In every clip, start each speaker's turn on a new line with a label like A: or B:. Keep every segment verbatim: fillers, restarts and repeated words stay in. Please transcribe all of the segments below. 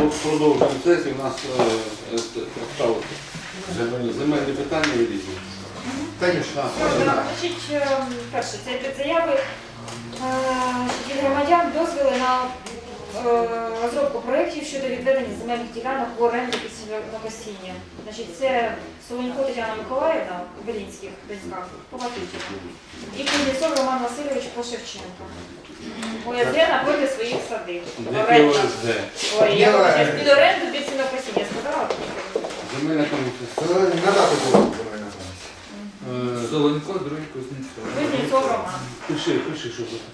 A: продовжуємо сесію. У нас земельні питання і різні.
B: Конечно.
C: Значить, перше, це під заяви від громадян дозвіли на розробку проєктів щодо відведення земельних ділянок в оренду під сінокосіння. Значить, це Солонько Тетяна Миколаївна у Белінських доньках, по Матутіну, і Кузнєцов Роман Васильович по Шевченко. О С Г напроти своїх садиб.
A: Де О С Г?
C: Ой, я хочу під оренду під сінокосіння, сказала?
A: Земельна комісія.
B: Надати було земельна комісія.
D: Солонько, другий Кузнєцов.
C: Кузнєцов Роман.
A: Пиши, пиши, що це.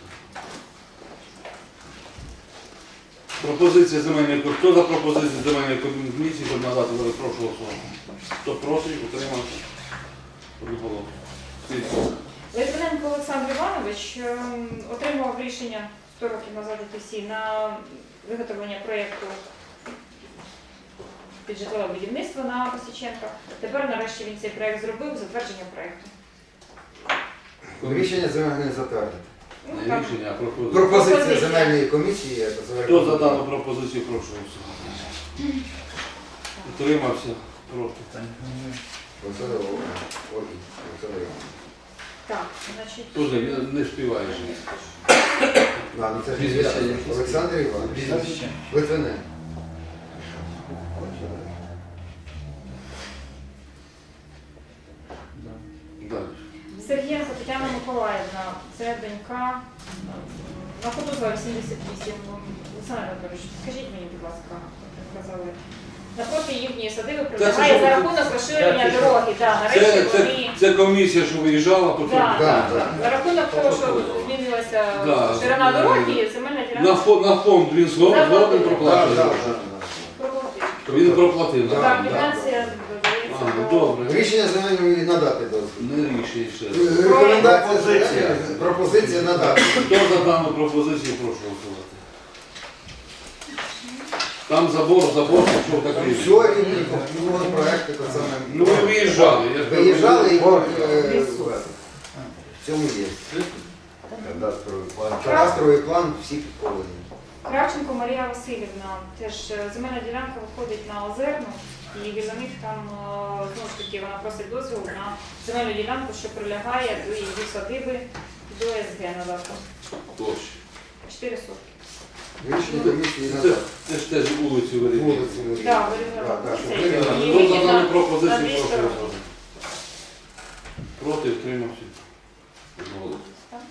A: Пропозиція земельної комісії. Хто за пропозицію земельної комісії, щоб надати, прошу голосувати. Хто проти, утримався. Одноголосно.
C: Литвиненко Олександр Іванович ем, отримав рішення сто років назад ТСІ на виготовлення проєкту під житлове будівництво на Косіченка. Тепер нарешті він цей проєкт зробив, затвердження проєкту.
B: Рішення земельної затвердити.
C: Ну,
A: Не
C: там
A: рішення, а пропозиція.
B: Пропозиція
C: Пропозиція.
B: земельної комісії.
A: Хто за дану пропозицію, прошу голосувати. Утримався. Проти.
C: Так, значить,
A: Тоже не співаєш.
B: Олександр Іванович. Литвиненко.
A: Далі.
C: Сергієнко Тетяна Миколаївна, це донька на Кутузова вісімдесят вісім. Олександр Анатолійович, скажіть мені, будь ласка, як казали. Напроти їхньої садиби прибігає за рахунок розширення дороги. Да,
A: Це,
C: нарешті
A: це,
C: вони...
A: це комісія, що виїжджала, потім
C: Да,
B: Да,
C: да,
B: да.
C: За рахунок того, що змінилася
A: Да.
C: ширина дороги, земельна
A: на,
C: ділянка
A: фонд, на фонд він згоден згоден
B: Так,
A: проплатив.
B: так,
C: проплатила.
A: Він проплатив.
B: Да,
C: Так,
B: да.
C: квитанція
A: А,
C: додається
A: ну,
C: до...
A: добре.
B: Рішення земельної надати дозвіл.
A: Не рішення ще.
B: Рекомендація
D: Пропозиція.
B: земельної- пропозиція надати.
A: Хто за дану пропозицію, прошу голосувати. Там забор, забор, що так
B: Все,
A: рішення.
B: і проекти то саме.
A: Ну ви виїжджали. Я ж кажу,
B: Виїжджали і
A: ви-
B: е, в цьому є. Кадастровий план всі підковані.
C: Кравченко Марія Васильівна, теж е, земельна ділянка виходить на Озерну, і біля них там, е, знову ж таки, вона просить дозвіл на земельну ділянку, що прилягає до її садиби, до С Г надати.
A: Площа.
C: чотири сотки.
B: Рішення комісії
A: Це,
B: надати.
A: це ж теж вулиці вирішили.
B: Вулиці Марії.
C: Так, вирівняла
B: Так, так, щоб
C: вулиця,
B: вирівняла.
C: і
A: Хто за
C: вихід
A: дану
C: на-
A: пропозицію,
C: на
A: прошу
C: дві сторони.
A: голосувати. Проти, втримався. Одноголосно.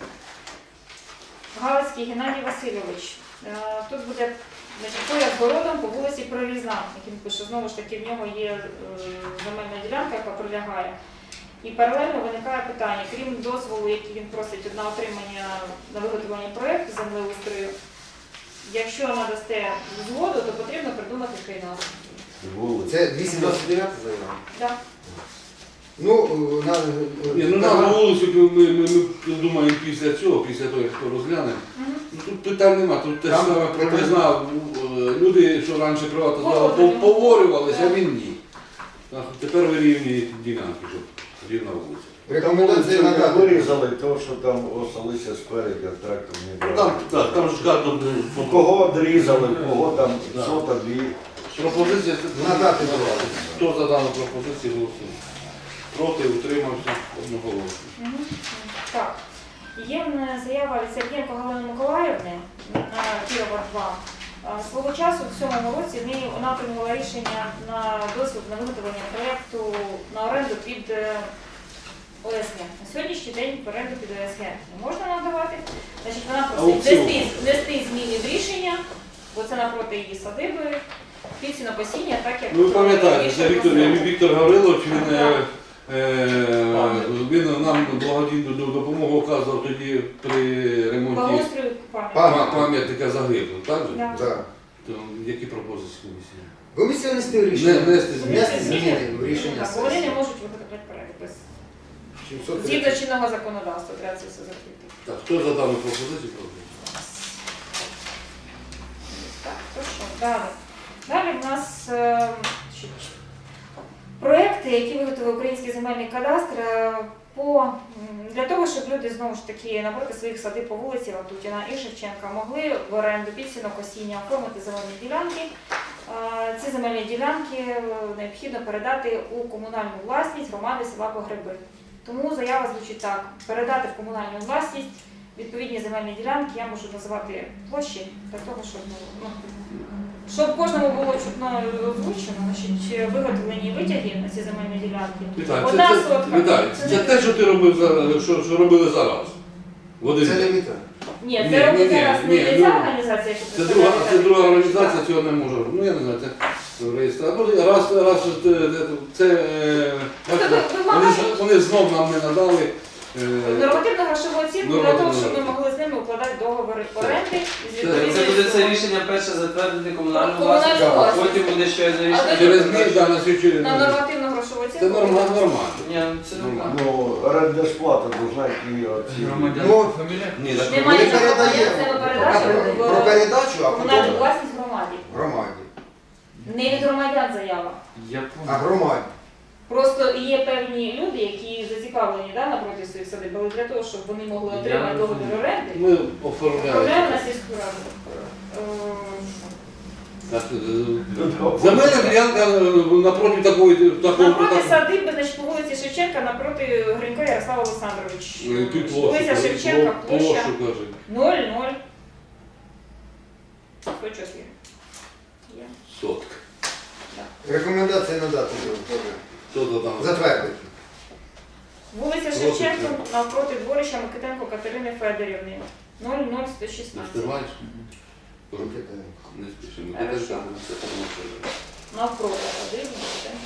C: Галицький Геннадій Васильович. Е, Тут буде, значить, поряд з городом по вулиці Прорізна, як він пише, знову ж таки в нього є е, земельна ділянка, яка прилягає. І паралельно виникає питання, крім дозволу, який він просить на отримання на виготовлення проєкту землеустрою, якщо надасте згоду, то потрібно придумати кримінал.
B: Це двісті двадцять дев'ята заява.
C: Да.
B: Ну, на,
A: Ні, ну на вулицю ми, ми, ми думаємо після цього, після того, як хто розгляне.
C: Мгм.
A: Ну, тут питань нема, тут те ж
B: Там
A: саме
B: питань-
A: прорізна. Люди, що раніше приватизували,
C: Погоджено.
A: поворювалися, а
C: Да.
A: він ні. Так, тепер вирівнюють ділянки, щоб рівна вулиця.
B: рекомендації
E: Там
B: надати.
E: вирізали, тому що там осалися спереді, а трактор не
A: Ну,
E: брав.
A: Там, так, там ж карта
E: У кого одрізали, у кого там
A: Да.
E: сота, дві.
A: пропозиція.
B: Надати.
A: Хто за дану пропозицію голосує? Проти, утримався, одноголосно.
C: Мгм. Так. Є в мене заява від Сергієнко Галини Миколаївни на Кірова два. А, Свого часу в сьомому році в неї вона прийняла рішення на дозвіл на виготовлення проєкту на оренду під е, О С Г. На сьогоднішній день в оренду під О С Г не можна надавати. Значить, вона просить
A: Аукціон.
C: внести, внести зміни в рішення, бо це напроти її садиби, під сінокосіння, так як...
A: Ну, ви пам'ятаєте, це Віктор,
C: рішення
A: Віктор Гаврилович, він, е,
C: Так.
A: е, він нам благодійну допомогу оказував тоді при ремонті
C: благоустрою пам'ятки.
A: пам- пам'ятника загиблих, так же?
C: Да.
B: Да.
A: То які пропозиції комісії?
B: Комісія внести рішення.
A: Не- внести зміни.
B: Внести зміни в рішення
C: Так, бо вони не
B: сесії.
C: можуть виготовляти проєкт без
B: сімсот
C: згідно
B: тридцять.
C: чинного законодавства, треба це все закрити.
A: Так, хто за дану пропозицію проти?
C: Так, то що, далі. Далі в нас е, значить, проекти, які виготовив Український земельний кадастр, е, по, м, для того, щоб люди знову ж таки напроти своїх садиб по вулиці Ватутіна і Шевченка могли в оренду під сінокосіння оформити земельні ділянки. Е, Ці земельні ділянки е, необхідно передати у комунальну власність громади села Погреби. Тому заява звучить так: передати в комунальну власність відповідні земельні ділянки, я можу називати площі, для того, щоб, ну, щоб кожному було чутно озвучено, значить, виготовлені витяги на ці земельні ділянки.
A: Віталій,
C: Одна
A: це, це,
C: сотка.
A: Віталій,
C: Це
A: це
C: не-
A: те, що ти робив зараз, що, що робили зараз. В один
B: Це не
A: день.
B: міта.
C: Ні,
A: Ні,
C: це робить
A: ні,
C: зараз
A: ні,
C: не
A: ну,
C: ця організація, яку
A: Це друга, це друга організація,
C: Так.
A: цього не може. Ну я не знаю, це реєстратор. Раз, раз це, це е, бачите,
C: ви- ви
A: вони,
C: маєте-
A: ж- вони знов нам не надали. е,
C: Нормативно-грошову оцінку для того,
A: Нормативно.
C: щоб ми могли з ними укладати договори оренди з
A: Це-
C: відповідною
D: Це буде це
C: сумою.
D: рішення перше затвердити комунальну
C: Комунальну
D: власність, а
C: власність.
D: потім буде ще одне рішення.
C: Але
A: Через них да, на свічі.
C: На нормативно-грошову оцінку.
A: Це нормально, нормально.
D: Ні, ну це нормально.
E: Ну, орендна сплата должна йти оці.
B: Ну,
A: Ні, так,
C: Немає
B: ми
C: нічого,
B: передаємо.
C: це ми
B: Про,
C: передаємо
B: про
C: в
B: передачу, а
C: комунальну
B: потім
C: власність громаді.
B: громаді.
C: Не від громадян заява.
D: Я
B: А громаді.
C: Просто є певні люди, які зацікавлені да, напроти своїх садиб, але для того, щоб вони могли
D: Я
C: отримати договір
D: розумію.
C: оренди,
A: ми оформляємо.
C: оформляємо на сільську раду. Е,
A: Так, е, Земельна ділянка е, напроти такої такого.
C: Напроти
A: так-
C: садиби, значить, по вулиці Шевченка, напроти Гринько Ярослава Олександрович.
A: е, Тут площу,
C: Вулиця
A: кажи,
C: Шевченка,
A: площу,
C: площа
A: кажи.
C: нуль ноль. сто чотири. Є.
A: Сотка.
B: Рекомендації надати теж.
A: Що то там?
B: Затвердити.
C: Вулиця Шевченка навпроти дворища Микитенко Катерини Федорівни. нуль нуль сто
A: Ти
C: шістнадцять.
A: знаєш? Не спішимо.
C: Хорошо. Навпроти садиби Микитенко.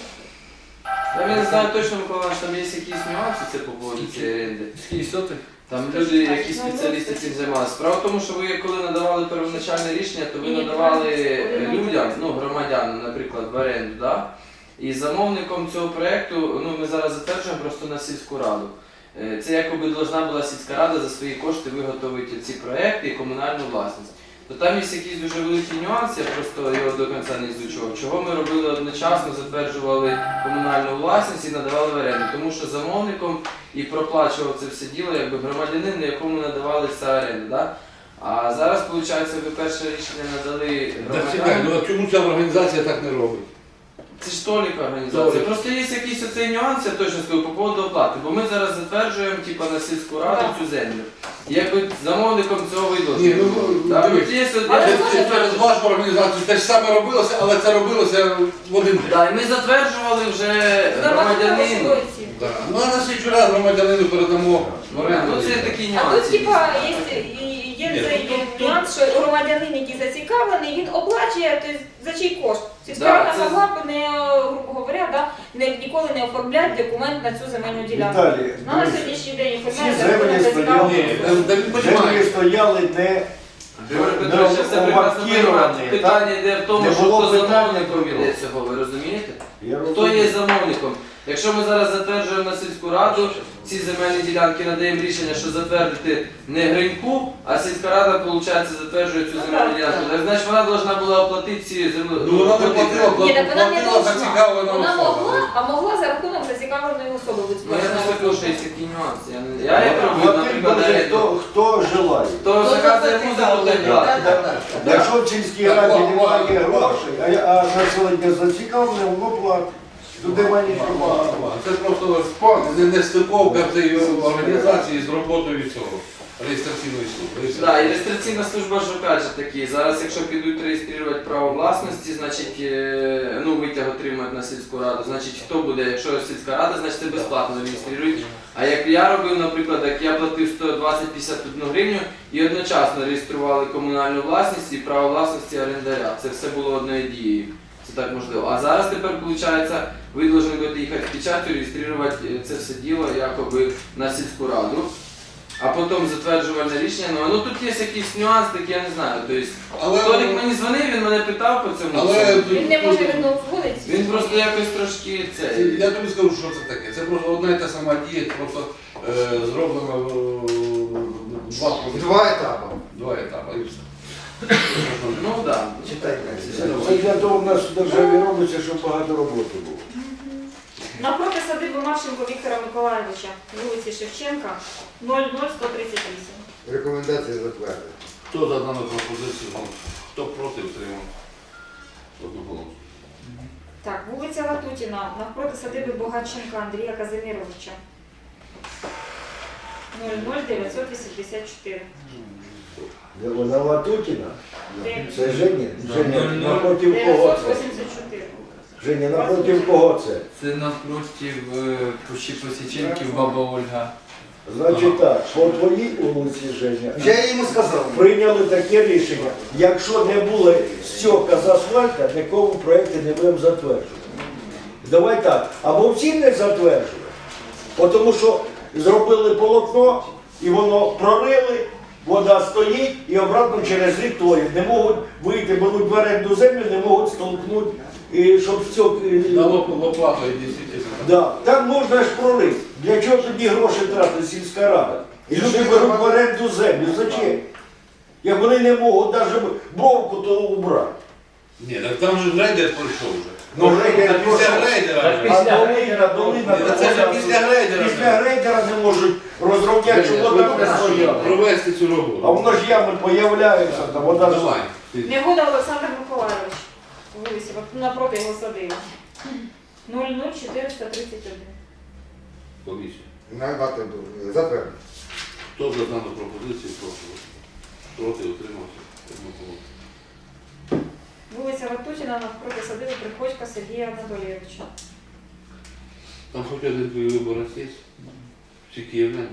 D: Я не знаю точно, Микола Іванович, там є якісь нюанси це по поводу цієї оренди.
A: Скільки сотих?
D: Там люди, які спеціалісти цим займалися. Справа в тому, що ви коли надавали первоначальне рішення, то ви надавали е, людям, ну громадянам, наприклад, в оренду, да? І замовником цього проєкту, ну ми зараз затверджуємо просто на сільську раду. Е, Це якоби должна була сільська рада за свої кошти виготовити ці проєкти і комунальну власність. То там є якісь дуже великі нюанси, я просто його до кінця не изучував. Чого ми робили одночасно, затверджували комунальну власність і надавали в оренду. Тому що замовником і проплачував це все діло, якби громадянин, на якому надавалися оренди. Да? А зараз, виходить, ви перше рішення надали
A: Так чекай,
D: громадянам.
A: ну а чому ця організація так не робить?
D: Це ж толіка організація.
A: Толік.
D: Просто є якийсь оцей нюанс, я точно скажу, по поводу оплати. Бо ми зараз затверджуємо типу, на сільську раду
C: Так.
D: цю землю. І якби замовником цього
A: Ні,
D: видно.
A: ну, дивись.
C: Але
A: Це,
C: може,
A: це через вашу організацію те ж саме робилося, але це робилося в один день.
D: Так, і ми затверджували вже
C: Нормативно-грошову
D: громадянину.
C: оцінку.
A: Да. Ну а на слідчу раз громадянину передамо в оренду.
D: Ну це такі
C: А
D: нюанси.
C: тут, типа, є, і- є
A: Ні,
C: цей
A: тут- тут-
C: нюанс, що громадянин, який зацікавлений, він оплачує тобто, за чий кошт. Сільська
D: Да,
C: рада
D: це-
C: могла б не, грубо говоря, да, не, ніколи не оформляти документ на цю земельну ділянку.
E: Віталій,
C: Ну, на
E: дивись,
C: сьогоднішній день
E: Всі
C: оформляє
E: землі
C: законом
E: стояли.
C: зацікавлений.
A: Ні, та- та він
E: землі
A: понімає.
E: стояли не,
D: Григорій
E: не
D: Петрович, я все прекрасно розумію.
E: овакіровані.
D: Питання йде в тому,
E: Не
D: що
E: було
D: хто
E: питання
D: замовником
E: про
D: іде цього, ви розумієте?
E: Я
D: Хто
E: розумію.
D: є замовником? Якщо ми зараз затверджуємо на сільську раду, ці земельні ділянки надаємо рішення, що затвердити не Гриньку, а сільська рада, виходить, затверджує цю земельну ділянку. Так, значить, вона повинна була оплатити ці землі.
A: Ну вона не платила,
C: Ні, так вона не
A: платила
C: должна.
A: зацікавлена
C: Вона
A: особа.
C: могла, а могла за рахунок зацікавленої особи
D: Ну, я
C: відсплачувати.
D: не скажу, що є такі нюанси. Я, не... я як роблю,
E: Платить
D: наприклад,
E: буде
D: оренду.
E: хто, хто желає.
D: Хто заказує музику, той платить.
E: Якщо в сільській
A: Так,
E: раді
A: ладно,
E: немає
A: ладно,
E: грошей, а, а населення зацікавлене, воно платить. Тут немає нічого.
A: Це просто не, не стиковка цієї організації з роботою цього реєстраційної служби.
D: Так, і реєстраційна служба ж опять же таки. Зараз, якщо підуть реєструвати право власності, значить е, ну, витяг отримають на сільську раду. Значить, хто буде, якщо сільська рада, значить це безплатно реєструють. А як я робив, наприклад, як я платив сто двадцять п'ятдесят одну гривню і одночасно реєстрували комунальну власність і право власності орендаря. Це все було одною дією. Це так можливо. А зараз тепер, виходить, ви повинні будете їхати в печатю, реєструвати це все діло якоби на сільську раду. А потім затверджувальне рішення. Ну, ну тут є якийсь нюанс, так я не знаю. Тобто,
A: Але,
D: Толік мені дзвонив, він мене питав по цьому.
A: але
D: всьому.
C: Він не може від нас згодити.
D: Він просто якось трошки це.
A: я тобі скажу, що це таке. Це просто одна і та сама дія, просто е, зроблено е, два,
B: Два етапи.
A: два етапи. І все.
D: Ну так. Да.
B: Читайте.
E: Це для того в нас в державі робиться, щоб багато роботи було.
C: Напроти садиби Марченко Віктора Миколайовича, вулиці Шевченка, нуль нуль сто тридцять вісім.
B: Рекомендації затвердити.
A: Хто за дану пропозицію? Ну, хто проти, утримав? Одноголосно.
C: Вулиця Латутіна, навпроти садиби Богаченка Андрія Казиміровича. нуль нуль дев'ятсот вісімдесят чотири.
E: Де вона Латутіна?
C: Де?
E: Це Женя? Женя,
D: нуль нуль
E: напроти кого
C: дев'ятсот
E: це?
C: вісімдесят чотири.
E: Женя, напроти кого це?
D: Це навпроти Пущі Посіченків баба Ольга.
E: Значить так, по твоїй вулиці, Женя,
B: Я йому сказав.
E: прийняли таке рішення. Якщо не було стьопка з асфальта, нікому проєкти не будемо затверджувати. Давай так, або всі не затверджуємо, тому що зробили полотно, і воно прорили, вода стоїть, і обратно через рік тоють. Не можуть вийти, беруть в оренду землю, не можуть столкнути, і щоб стьоп...
A: На лоп- лопату і десять.
E: Да, там можна ж прорити. Для чого тоді гроші тратить сільська рада? І люди беруть в оренду землю. Зачем? Як вони не можуть навіть бровку то убрати.
A: Ні, так там же рейдер пройшов вже.
E: Ну, рейдер
A: Це після
E: пройшов.
A: рейдера. вже.
E: А долина, долина,
A: Ні, Це ж після рейдера.
E: після
A: вже.
E: рейдера не можуть розробляти, щоб вода не стояла.
A: Провести цю
E: А
A: роботу.
E: воно ж ями появляються, там вода ж...
A: Давай.
C: Негода Олександр Миколайович. Вулиця, от напроти його садиби. нуль нуль чотириста тридцять один.
A: Комісію.
B: Надати затвердити.
A: Хто за дану пропозицію, прошу. Проти, утримався. Одноголосно.
C: Вулиця Латутіна, навпроти садиби Приходька Сергія Анатолійовича.
A: Там хоч один твій виборець є? Всі київляни?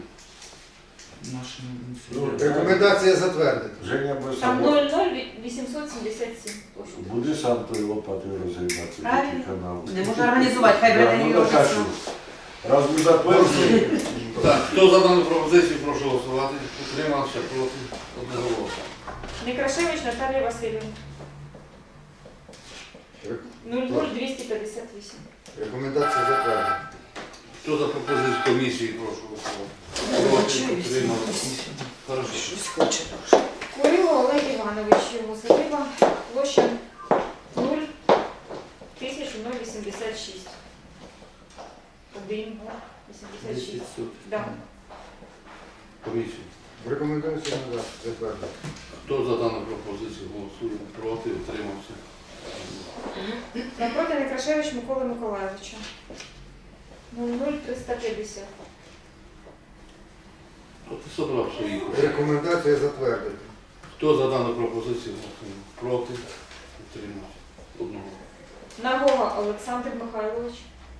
B: Рекомендація затвердити.
E: Женя без
C: Там
E: собою.
C: нуль нуль вісімсот сімдесят сім.
E: Буде сам той лопатою розгрібати
F: Правильно.
E: такий канал.
F: Не може організувати, хай
E: Да,
F: бере
E: ну,
F: його.
E: так, а що? Раз ми затверджуємо,
A: Так, хто за дану пропозицію, прошу голосувати. Утримався, проти, одноголосно.
C: Некрашевич Наталія Васильівна. нуль нуль двісті п'ятдесят вісім.
B: Рекомендація затвердити.
A: Хто за пропозицію комісії, прошу голосувати. Проти, утримався. Хорошо.
F: Щось хоче дуже.
C: Курило Олег Іванович, його садиба, площа нуль тисяча вісімдесят шість. один, вісімдесят шість. Да.
A: Комісію.
B: Рекомендація надати затвердити.
A: Хто за дану пропозицію голосує? Проти, утримався.
C: Напроти Некрашевич Миколи Миколайовича. нуль нуль триста п'ятдесят.
A: Хто ти собрав свої?
B: Рекомендація затвердити.
A: Хто за дану пропозицію голосує? Проти, утримався. Одного.
C: Нагова Олександр Михайлович.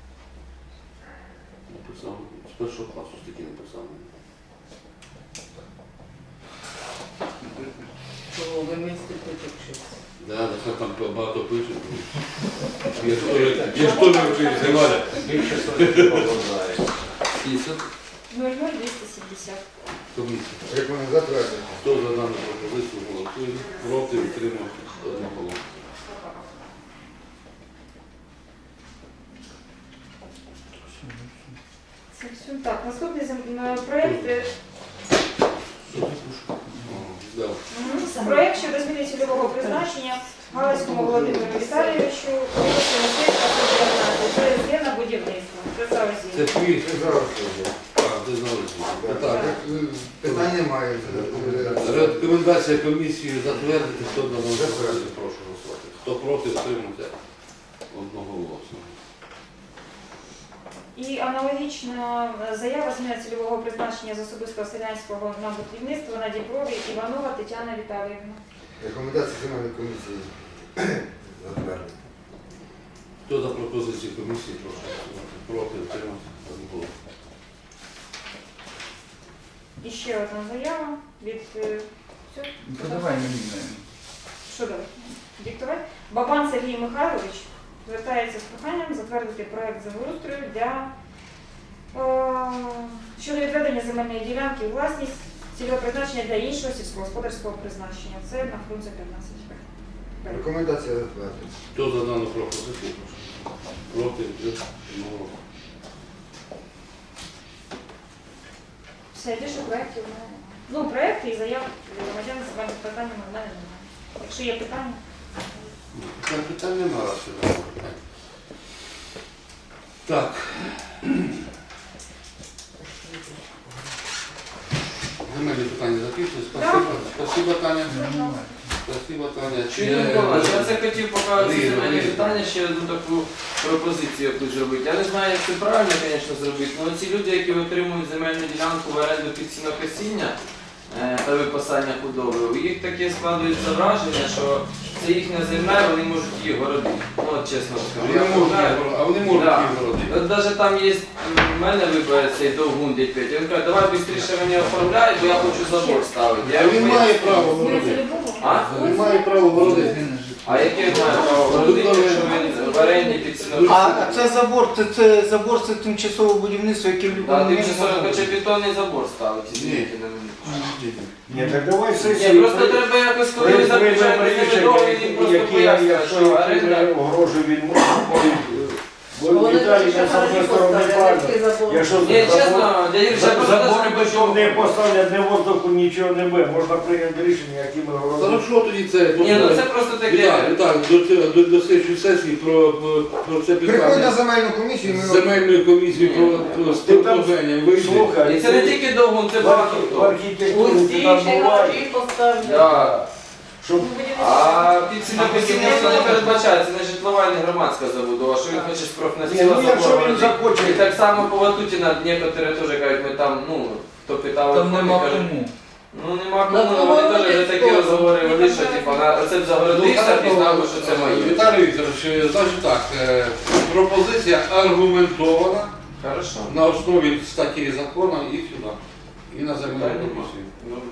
A: Написав. З першого класу стільки написав. Да, да, що там багато пишуть. Я ж теж- Я ж теж вчився, Валя.
C: нуль нуль двісті сімдесят.
A: Комісія.
B: Рекомендація затвердити.
A: Хто за дану пропозицію голосує? Проти, утримався. Одного.
C: Це все. Так, наступний зем- е, проєкт. е,
A: Да.
C: Мгм. Проєкт щодо зміни цільового призначення Галицькому Володимиру Віталійовичу, вулиця Мистецька, сто дев'ятнадцять. Це є на будівництво. Це
A: Це
C: завозі.
A: твій.
B: Це зараз вже.
A: А, ти знаєш. Так.
B: Питань немає.
A: Рекомендація комісії затвердити, хто дану пропозицію, прошу голосувати. Хто проти, утримався. Одноголосно.
C: І аналогічна заява зміни цільового призначення з особистого селянського на будівництво на Діброві Іванова Тетяна Віталіївна.
B: Рекомендація земельної комісії затвердити.
A: Хто за пропозицію комісії, прошу голосувати. Проти, утримався. Одноголосно.
C: І ще одна заява від е, все?
D: Подавай мені.
C: Що давай? Диктувати? Бабан Сергій Михайлович звертається з проханням затвердити проект землеустрою для е, щодо відведення земельної ділянки у власність цільового призначення для іншого сільськогосподарського призначення. Це на Фрунзе п'ятнадцять.
B: Рекомендація затвердити.
A: Хто за дану пропозицію, прошу. Проти, одноголосно.
C: Все, більше проєктів у мене немає. Ну, проєкти і заяв громадян з земельних питаннями у мене немає. Якщо є питання,
A: Питань питань немає, раз що немає питань. Так. Земельні питання закінчились. Спасибо. Спасибо, Таня. Спасибо, Таня. Чи
D: Юрій
A: є-
D: Миколаївич, я це хотів поки ці
A: Різно,
D: земельні
A: різно.
D: питання ще одну таку пропозицію якусь зробити. Я не знаю, як це правильно, звісно, зробити, але ці люди, які отримують земельну ділянку в оренду під сінокосіння е, та випасання худоби, у їх таке складується враження, що це їхня земля, і вони можуть її городити. Ну, от чесно скажу.
A: Вони
D: Я
A: можуть
D: знаю.
A: їх- А вони можуть
D: Да.
A: їх городити.
D: От навіть там є, в мене вибере цей довгун дядь Петя, він каже, давай швидше мені оформляй, бо я хочу забор ставити. Я
A: А він
D: йому
A: має
D: поясню.
A: право
C: Змінити
A: городити.
C: любого?
D: А?
A: Він має право городити.
D: А яке він має право городити, якщо він в оренді під сінокосіння?
G: А це забор, це, це забор, це тимчасове будівництво, яке в
D: Да,
G: будь-якому
D: ти
G: моменті
D: вже
G: може
D: хоче
G: бути.
D: бетонний забор ставити,
A: Ні.
D: извините на мене.
E: Ні, так давай
D: Ні,
E: сесію.
D: просто треба якось, коли ви заключаєте з ними договір, їм просто
E: які,
D: пояснювати,
E: якщо
D: що
E: які
D: оренда...
E: не огрожує він може. Бо
F: Вони
E: Віталій
F: хочуть,
E: на
F: щоб
E: самої
F: вони
E: сторони
F: поставили,
E: правильно.
F: який забор.
E: Якщо
D: Ні, чесно, дядя Юрій, я просто
E: забор
D: даже
E: бетон
D: хочу...
E: не поставлять, не воздуху, нічого не буде. Можна прийняти рішення, які ми говоримо.
A: Хорошо тоді це.
D: Ні, ну це просто таке...
A: Віталій, Віталій, до, цього- до, до слідчої сесії про, про, про це
B: Приходь на
A: питання
B: земельну комісію,
A: з
B: ми
A: земельної комісії про, про
E: Ти там
A: предложення вийде.
E: слухай,
D: І це не тільки довгун, це
E: в
D: багато
E: архі- в
D: хто.
E: архітектурі
F: Усі
E: ти там
F: ще
E: буває.
F: гаражі поставлять.
D: Да.
E: Щоб
D: А під сінокосіння не передбачається, не житлова і не громадська забудова, що він хоче з
E: Ні,
D: профнастіла
E: ну, якщо він захоче.
D: І так само по Ватутіна, некоторі теж кажуть, ми там, ну, хто питав,
G: Там нема
D: кажуть,
G: кому.
D: ну нема
F: На
D: кому,
F: кого
D: вони теж
F: вони
D: вже такі
F: хто?
D: розговори вели, що типа, на- оце б загородився, пізнав, що це моє.
A: Віталій Вікторович, значить так, е, пропозиція аргументована
D: Хорошо.
A: на основі статті закону і сюди. І на земельну
D: Питань нема.
A: комісію.
D: Добре.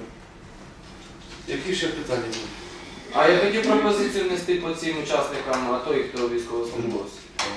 A: Які ще питання будуть?
D: А я хотів пропозицію внести по цим учасникам АТО і хто військовослужбовці.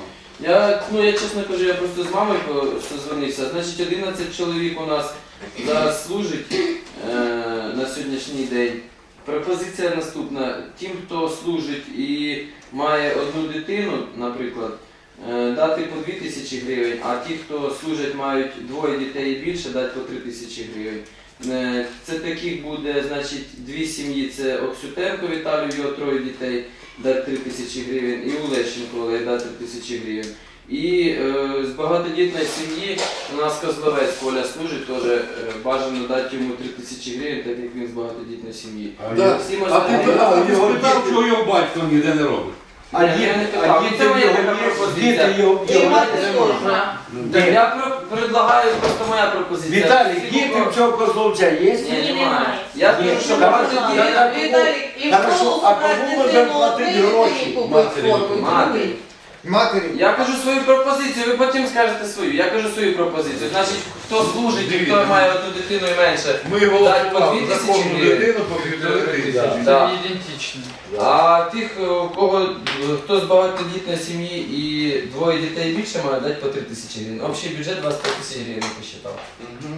D: Я, ну я чесно кажу, я просто з мамою созвонився. Значить, одинадцять чоловік у нас зараз служить е, на сьогоднішній день. Пропозиція наступна. Тим, хто служить і має одну дитину, наприклад, е, дати по дві тисячі гривень, а ті, хто служать, мають двоє дітей і більше, дати по три тисячі гривень. Е, Це таких буде, значить, дві сім'ї, це Оксютенко Віталію, його троє дітей, дати три тисячі гривень, і у Лещенко Олег дати три тисячі гривень. І е, з багатодітної сім'ї у нас Козловець Коля служить, теж е, бажано дати йому три тисячі гривень, так як він з багатодітної сім'ї.
A: Да.
D: Всі
A: А
D: можна-
A: ти, а ти
E: його
A: спитав,
E: діти-
A: чого його батько ніде не робить?
E: А
D: Ні,
E: діти,
D: я не
E: а
D: питав.
E: діти
D: Це моя
E: його
D: така
E: є,
D: пропозиція.
E: діти його-
F: І
E: його-
F: мати
A: нема.
F: можна.
D: Так я про- предлагаю, просто моя пропозиція.
E: Віталій,
D: Всі
E: діти
D: кого-
E: в цього козловця є?
D: Ні,
C: Ні,
D: немає.
C: немає.
D: Я
E: Ні,
D: кажу, що
E: так,
D: багато
E: так,
D: дітей.
E: так.
F: Віталік, і в
E: Хорошо,
F: школу
E: а
F: забрати
E: кому
F: дитину
E: будемо платити
F: однієї
E: гроші?
F: дитині купити
A: Матері.
F: форму, і
D: Матері.
F: другій.
B: матері.
D: Я кажу свою пропозицію, ви потім скажете свою. Я кажу свою пропозицію. Значить, хто служить, і хто має одну дитину і менше.
A: Ми
D: Дать по
A: голосували
D: дві
A: за
D: тисячі
A: кожну
D: гривень.
A: дитину по півтори тисячі.
D: Да.
G: ідентично.
D: А тих, у кого е, хто з багатодітної сім'ї і двоє дітей і більше, має дати по три тисячі гривень. Общий бюджет двадцять п'ять тисяч гривень посчитав.
A: Мгм.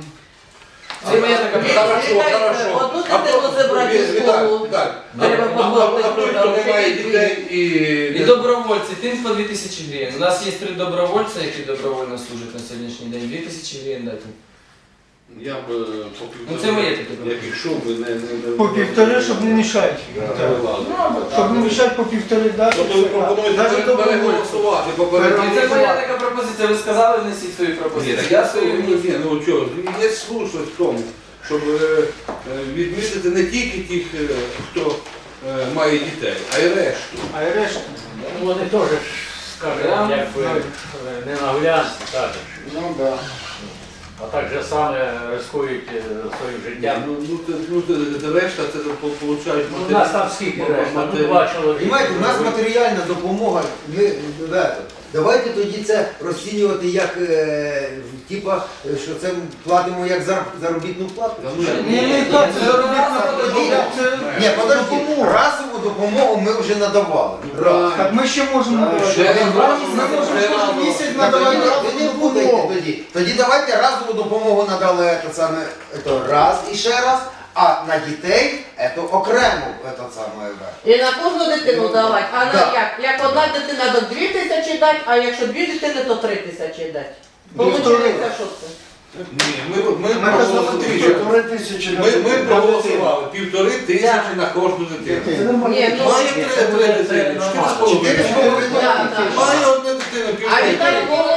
D: Це моя така
F: Ні,
A: Хорошо,
F: Віталій,
A: хорошо.
F: одну
A: А
F: дитину
A: то-
F: забрати в
A: Віталій,
F: школу.
A: Віталій,
F: Треба
A: а- а-
F: подумати,
A: а той,
F: хто
A: хто
F: там
A: не має
F: ще
A: дітей і...
D: І добровольці, тим по дві тисячі гривень. У нас є три добровольця, які добровольно служать на сьогоднішній день. дві тисячі гривень дати.
A: Я б е, по півтори...
D: Ну, це моє таке
A: Як
D: пропозиція.
A: ішов би, не... не- не-
G: По півтори, щоб не мішати.
A: не вилазив.
G: Щоб не мішати по півтори дати.
A: Тобто ви пропонуєте
G: Навіть
A: пере-
G: добровольці.
A: переголосувати
D: І
A: попередньо.
D: це моя така пропозиція. Ви сказали, внесіть свою
A: Ні,
D: пропозицію.
A: так
D: Я
A: я
D: свою
A: свою
D: вніс.
A: ні, ну чого, є слушність в тому, щоб е, е, відмітити не тільки тих, е, хто е, має дітей, а й решту.
G: А й решта.
H: Ну, вони теж, скажімо, якби не наглядні, так.
B: Ну да.
H: А так же саме рискують е, своїм
A: Ні,
H: життям.
A: ну, ну, це, ну, це- це решта, це по- получають
H: Ну, у нас там скільки решта? Ну, два чоловіка.
B: Понимаєте, у нас матеріальна допомога. Ми, ребята, давайте тоді це розцінювати як, е, типа, що це платимо як зар- заробітну плату.
A: Та ну,
G: Ні, ні, так, це заробітна
B: допомога.
G: це
B: Ні, подожди, разову допомогу ми вже надавали. Раз.
G: Так ми ще можемо
A: А,
G: давати.
A: ще раз,
G: Ми
A: раз,
G: можемо
A: раз,
G: кожен
A: раз.
G: місяць
B: Так,
G: надавати
B: тоді
G: разову
B: ви не путайте
G: допомогу.
B: тоді. Тоді давайте разову допомогу надали це саме це раз і ще раз, а на дітей це окремо це саме.
F: І на кожну дитину давати. А на
B: Да.
F: як? Як одна дитина до дві тисячі дати, а якщо дві дитини, то три тисячі дати.
G: Півтори.
F: Получається, що це?
A: Ні, ми, ми,
G: Ми
A: проголосували,
E: Півтори тисячі на
A: ми, ми
E: дитину.
A: проголосували півтори тисячі на кожну дитину.
G: Це нормально.
F: Ні, ну,
A: Має три, три дитини, чотири з
B: Чотири з
A: половиною.
B: половиною
F: Да, да.
A: Має одну дитину,
F: А
A: півтори.
F: Віталій положить одну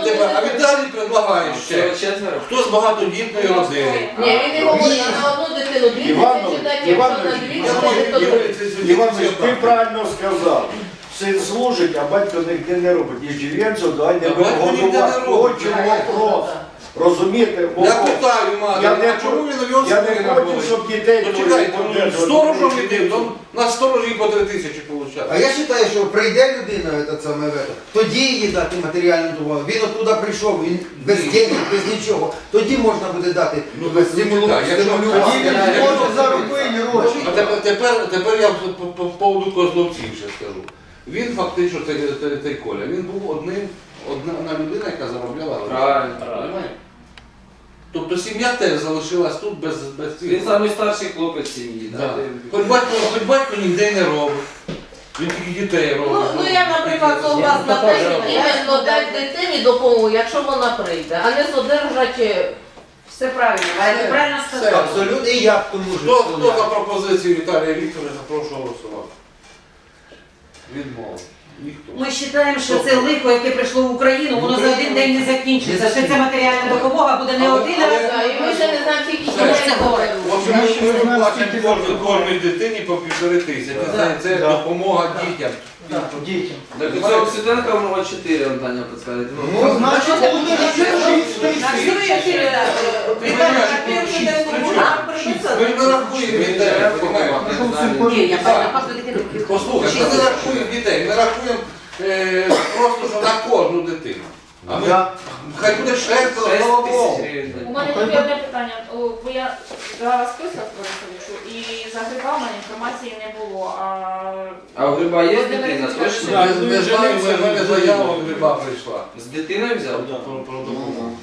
F: одну
A: тебе, а
F: дитину.
A: Віталій предлагає ще.
D: Всього четверо.
A: Хто з багатодітної родини?
F: Ні, він не говорить, а на одну дитину дві
E: Іванович,
F: тисячі дати, якщо на
E: Іванович,
F: дві
A: Я
F: тисячі, то
A: думаю,
F: три.
E: Іванович, ти правильно сказав. Син служить, а батько ніде не робить. Єжевенцю дай не
A: Та батько ніде не
E: годувати.
A: робить.
E: От чому вопрос. Розумієте? Бо-
A: Я питаю матері,
E: Я не
A: а чому він у нього
E: Я не
A: спина
E: хочу,
A: болить?
E: щоб дітей
A: Ну
E: твоїх
A: чекайте, ну,
E: подержувати.
A: сторожом іди, то на сторожі по три тисячі
B: А
A: получає.
B: я вважаю, що прийде людина, це саме, в это, тоді їй дати матеріальну допомогу. Він оттуда прийшов, він без
A: Ні.
B: денег, без нічого. Тоді можна буде дати
A: Ну,
B: без
A: ну,
B: стимулу-
A: чекай, якщо-
B: стимулювати.
A: Тоді він
B: Я-
A: може
G: заробити гроші.
A: А тепер, тепер, тепер я по, по, по поводу Козловців ще скажу. Він фактично, цей, цей, цей Коля, він був одним, одна одна людина, яка заробляла гроші.
D: Правильно.
A: Розумієш? Тобто сім'я теж залишилась тут без, без цих.
D: Він самий старший хлопець сім'ї.
A: Да.
D: Да.
A: Хоч батько, хоч батько ніде не робить. Він тільки дітей робить.
F: Ну, ну я, наприклад, согласна те, що іменно дати дитині допомогу, якщо вона прийде, а не содержати.
I: Все правильно, Ваня, правильно
A: Все.
I: сказав.
B: Абсолютно, і я тому
A: Хто,
B: що
A: хто за пропозицію Віталія Вікторовича, прошу голосувати. Відмова. Ніхто.
I: Ми вважаємо, що це лихо, яке прийшло в Україну, воно за один день не закінчиться. Що ця матеріальна допомога буде не
A: Але-
I: один
A: але-
I: раз.
F: Да, і ми ще не знаємо, скільки
A: Все.
F: дітей це говорить.
A: В общем, ми, ми виплачуємо кожній, кожній дитині по півтори тисячі. Це, це
G: Да.
A: допомога дітям.
G: Так, дітям.
D: Так у цього Ксютенка у нього чотири, он Таня підказує.
B: Ну,
G: Значить, буде
I: На всю чотири рази.
A: Понимаєш,
I: На першу
A: шість,
I: дитину
A: шість.
I: нам прийдеться.
A: Ми не рахуємо дітей, розумієте?
I: Ні, я бачу, на кожну дитину.
A: Послухай, ми не рахуємо дітей, ми рахуємо е, просто що на кожну дитину. А ми,
E: Да.
A: хай буде шестеро,
D: Шесть
A: слава
D: тисяч
A: Богу.
D: гривень.
C: У мене тільки одне питання. О, Бо я дала список Борисовичу, і за грибами інформації не було. А
D: А у Гриба є
C: Володимир
D: дитина,
C: Вікторович,
D: точно?
A: Я не знаю, в мене заява від гриба прийшла.
D: З дитиною взяв?
A: Про, про допомогу.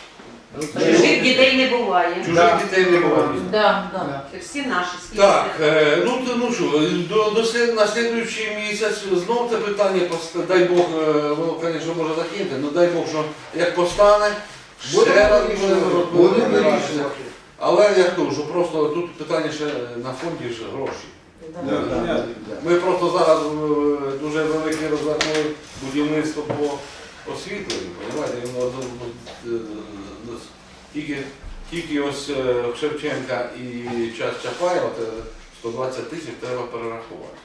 I: Чужих дітей не буває.
A: Чужих дітей не буває.
F: Да, да.
I: Це всі наші. скільки
A: Так,
I: це?
A: е, ну, то- ну що, до, до слід, на слідуючий місяць знов це питання, пост- дай Бог, е, воно, звісно, може закинути, але дай Бог, що як постане, ще
B: Будемо
A: раз
B: вирішувати.
A: будемо
B: Будемо
A: розбиратися.
B: вирішувати.
A: Але я кажу, що просто тут питання ще на фонді ж гроші.
F: Да.
A: Ми просто зараз е, дуже велике розвернули будівництво по освітленню, розумієте, воно з- з- з- з- тільки, тільки ось е, Шевченка і час Чапаєва, це сто двадцять тисяч треба перерахувати.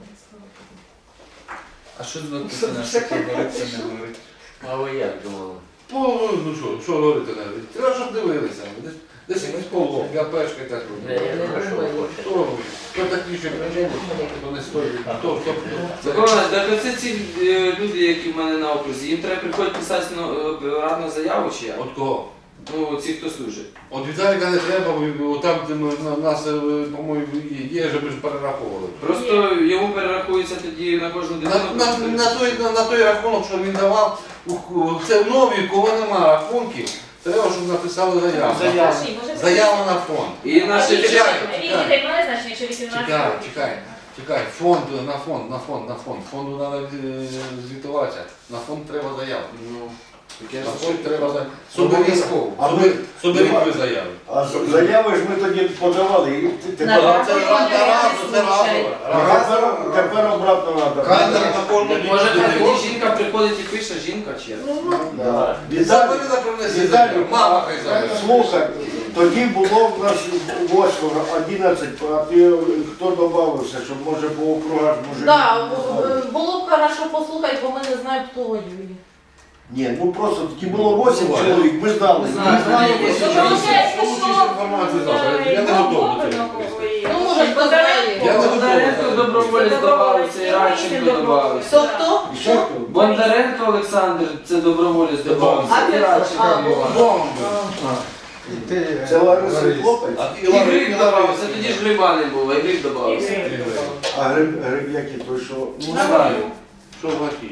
J: А що за дитина, що ти говориться, не говорить?
H: А ви як думали?
A: Ну, ну що, що говорити не говорити? Треба, щоб дивилися. Десь, десь якийсь полок, я пешка так
H: Я
A: роблю.
H: не знаю.
A: Хто, хто такі ще причини, хто не стоїть, хто, хто, хто.
D: Микола, так оце ці е, люди, які в мене на окрузі, їм треба приходити писати ну, е, радну заяву чи як?
A: От кого?
D: Ну, ці, хто служить.
A: От Віталіка не треба, бо там, де ми, на, нас, е, по-моєму, є, вже ми ж перераховували.
D: Просто йому перерахується тоді на кожну
A: На,
D: дитину.
A: на, на, той, на, на той рахунок, що він давав, у- у- це в нові, кого нема рахунків, треба, щоб написали заяву.
G: Заяву.
C: Саші, може,
A: Заява на фонд.
D: І наші
C: Вік
A: чекай,
C: дітей
A: чекай.
C: має значення, що вісімнадцять
A: Чекай,
C: років?
A: чекай, чекай, фонд, на фонд, на фонд, на фонд. Фонду треба звітуватися. На фонд треба заяву.
D: Ну, таке
A: На
D: ж
A: фонд треба заяву.
E: Обов'язково. А
A: Соберіть,
E: ми-
A: соберіть ви заяву.
E: А з- заяви ж ми тоді подавали. І ти- тепер,
I: На
A: Це
I: Фонд
A: разово,
I: реальний
A: це разово.
I: случай.
A: Разово.
E: тепер, тепер обратно треба.
B: Кадр.
A: На кожну
D: може
A: дитину.
D: тоді жінка приходить і пише, жінка чи як?
E: Да. Віталій,
A: Забери на принеси
E: Віталій,
A: заяву. Мама хай забере.
E: слухай, тоді було в нас восьмеро, одинадцять, а ти хто додався, щоб може по округах може.
F: Да, бу- було б хорошо послухати, бо ми не знаємо, хто воює.
E: Ні, ну просто тоді було вісім чоловік, ми знали.
D: Ми знали.
E: Ми знали,
A: Ні,
E: вісім
A: ні,
E: чоловік.
A: ні. Получиш інформацію завтра. Я не готовий до цього.
F: Ну, може, хто знає.
A: Я не
D: Бондаренко
A: готовий.
D: доброволець додався, і Радченко додався.
F: Хто хто?
E: І ще хто?
D: Бондаренко Олександр, це доброволець додався.
F: А
D: І
F: ти
D: Радченко
F: а,
D: додався.
A: Бомби.
G: І ти,
E: Це Лариса
G: Лариса.
E: хлопець,
A: А ти
D: І
A: Лариса,
D: Гриб
A: і
D: додався,
A: Лариса.
D: тоді ж Гриба не було, і Гриб додався.
E: а гриб, гриб який той, що.
A: Ну, знаю. Що в Гаті?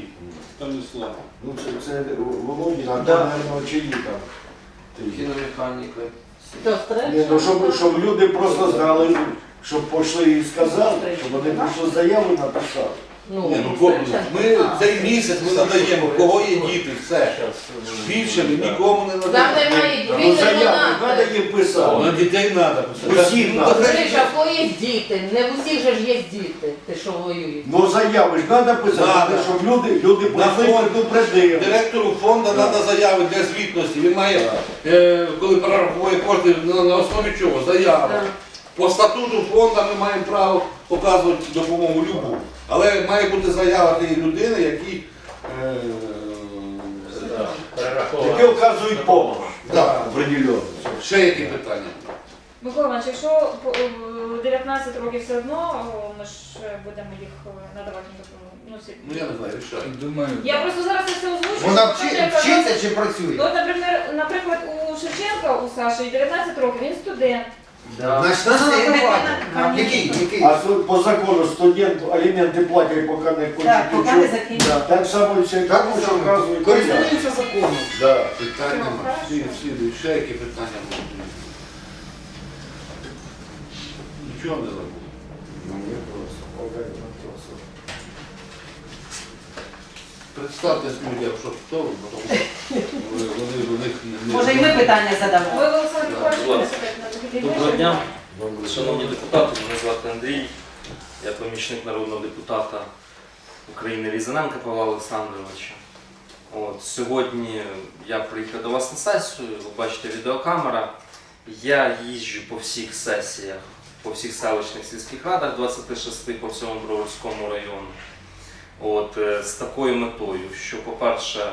E: Ну це, це Володін, а
G: Да.
E: там, мабуть, чиї там. Ти.
D: Кіномеханіка.
F: Сестри?
E: Ні, ну щоб, щоб люди просто знали, щоб пішли і сказали, щоб вони прийшли заяву і написали.
F: Ну,
A: Ні, ну, ко-
F: звичайно.
A: ми цей місяць ми надаємо, у кого є діти, все. Більше ми нікому не
F: Там
A: надаємо.
F: немає
E: Ну,
F: дітей,
E: заяву
F: вона.
E: треба їм писати.
A: На дітей треба писати.
E: Усіх
A: Ну,
E: надо.
A: так,
F: Гриша, в кого є діти? Не в усіх же ж є діти, ти що воюєш.
E: Ну заяви ж треба писати,
A: Надо.
E: щоб люди, люди
A: На
E: прийшли
A: фонд.
E: предупредили.
A: Директору фонду треба заяви для звітності. Він має, е, коли перераховує кошти, на, на основі чого? Заява.
F: Так.
A: По статуту фонду ми маємо право показувати допомогу любу. Але має бути заява тієї людини, які е,
E: Які оказують допомогу.
A: да.
E: Определенно.
A: Ще які питання?
C: Микола Іванович, якщо по- е, дев'ятнадцять років все одно, о, ми ж е, будемо їх е, надавати їм допомогу. Ну, всі-
A: Ну я не знаю, рішаю.
J: Думаю,
C: Я просто зараз це все озвучую.
B: Вона
C: тому що
B: вчи-
C: я казала-
B: вчиться чи працює?
C: Ну, от, наприклад, наприклад, у Шевченка, у Саші, дев'ятнадцять років, він студент.
D: Да.
B: Значить, нас
I: Ну,
B: не
I: це
B: рахувати.
I: на-
B: Який? Який?
E: А су- по закону студент аліменти платять, поки не кончить
I: Так, поки не
E: учебу.
I: закінчить.
E: Да, Так само і все,
B: Так,
E: тому що
B: що
E: вказують.
B: користуються законом.
A: Да, питань
C: Все,
A: нема.
C: хорошо.
A: Всі, всі, ще які питання будуть? Нічого не забув. Представтесь людям, що хто ви, бо тому що вони, вони у них не...
I: Може, і ми питання задамо.
C: Ви, Олександр Миколаївич,
D: будь ласка.
C: будете на
K: Доброго дня, шановні депутати, мене звати Андрій, я помічник народного депутата України Різаненка Павла Олександровича. От, сьогодні я приїхав до вас на сесію, ви бачите відеокамера. Я їжджу по всіх сесіях, по всіх селищних сільських радах, двадцяти шести по всьому Броварському району. От, е, з такою метою, що, по-перше,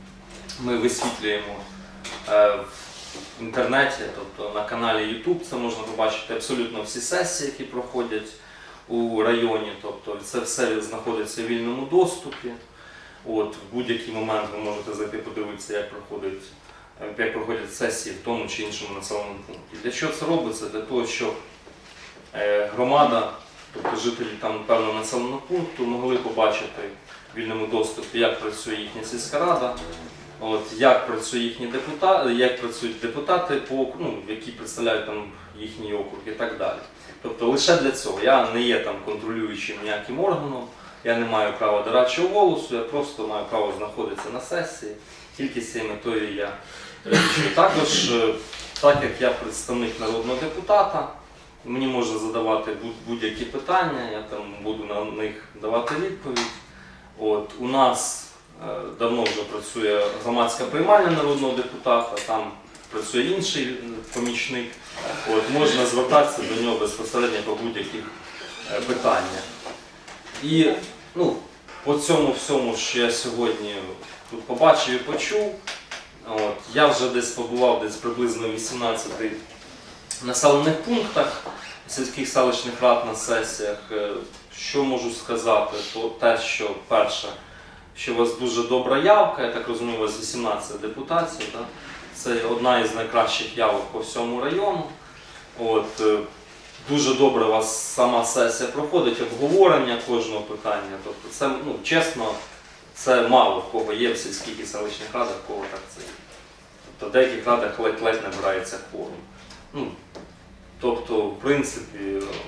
K: ми висвітлюємо е, в інтернеті, тобто на каналі YouTube, це можна побачити абсолютно всі сесії, які проходять у районі, тобто це все знаходиться в вільному доступі. От, в будь-який момент ви можете зайти подивитися, як проходить, е, як проходять сесії в тому чи іншому населеному пункті. Для чого це робиться? Для того, щоб е, громада, тобто жителі там певного населеного пункту могли побачити в вільному доступі, як працює їхня сільська рада, от, як працює їхні депутати, як працюють депутати, по, ну, які представляють там їхній округ і так далі. Тобто лише для цього. Я не є там контролюючим ніяким органом, я не маю права дорадчого голосу, я просто маю право знаходитися на сесії, тільки з цією метою я речую. Також, е, так як я представник народного депутата, мені можна задавати будь- будь-які питання, я там буду на них давати відповідь. От, у нас е, давно вже працює громадська приймальня народного депутата, там працює інший е, помічник. От, можна звертатися до нього безпосередньо по будь-яких е, питаннях. І ну, по цьому всьому, що я сьогодні тут побачив і почув, от, я вже десь побував десь приблизно в вісімнадцяти населених пунктах сільських селищних рад на сесіях. Е, Що можу сказати, то те, що перше, що у вас дуже добра явка, я так розумію, у вас вісімнадцять депутатів, да? Це одна із найкращих явок по всьому району. От, е, дуже добре у вас сама сесія проходить, обговорення кожного питання. Тобто це, ну, чесно, це мало в кого є в сільських і селищних радах, в кого так це є. Тобто в деяких радах ледь-ледь набирається кворум. Ну, тобто, в принципі,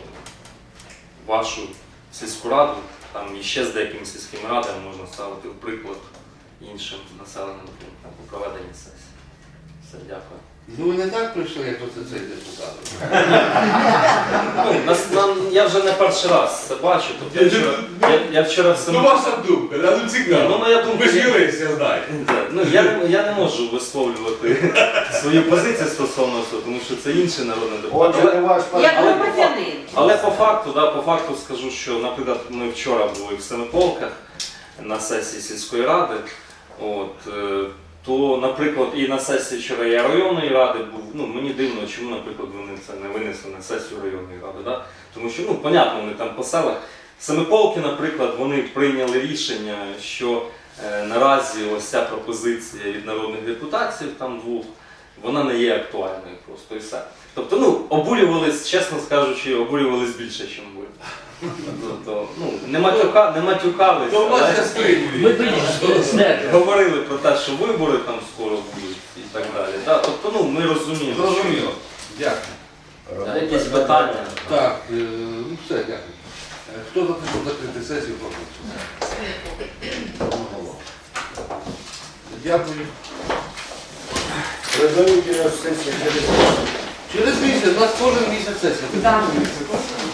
K: вашу сільську раду, там і ще з деякими сільськими радами можна ставити в приклад іншим населеним пунктам у проведенні сесії. Все, дякую.
A: Ну ви не так прийшли, як оце цей депутат.
K: Ну, нас- нам- я вже не перший раз це бачу. Тобто, я, вчора, я, я вчора в
A: Ну
K: Сем-
A: ваша думка, да, ну
K: Ні,
A: цікаво.
K: ну, моя думка,
A: Ви ж
K: я-
A: юрист, я знаю.
K: Да, ну, я, не- я не можу висловлювати свою позицію стосовно цього, тому що це інший народний депутат.
E: Отже, не ваш
I: Як
K: Але-
I: громадянин.
K: Але по факту, да, по факту скажу, що, наприклад, ми вчора були в Семиполках на сесії сільської ради, от, е, то, наприклад, і на сесії вчора я районної ради був, ну, мені дивно, чому, наприклад, вони це не винесли на сесію районної ради, да? Тому що, ну, понятно, вони там по селах. Семиполки, наприклад, вони прийняли рішення, що е, наразі ось ця пропозиція від народних депутатів, там двох, вона не є актуальною просто і все. Тобто, ну, обурювались, чесно скажучи, обурювались більше, ніж ви. Тобто, ну, не, матюка, не матюкались,
A: То у вас
K: але
A: ще стримують.
K: говорили про те, що вибори там скоро будуть і так далі. Да? Тобто, ну, ми розуміємо. що-
A: Зрозуміло. Дякую.
K: Да, якісь питання.
A: Так, е, ну все, дякую. Е, Хто за те, щоб закрити сесію, прошу. Одноголосно. Дякую.
E: Резолюція сесії через
A: Через місяць, у нас кожен місяць сесія.
I: Так.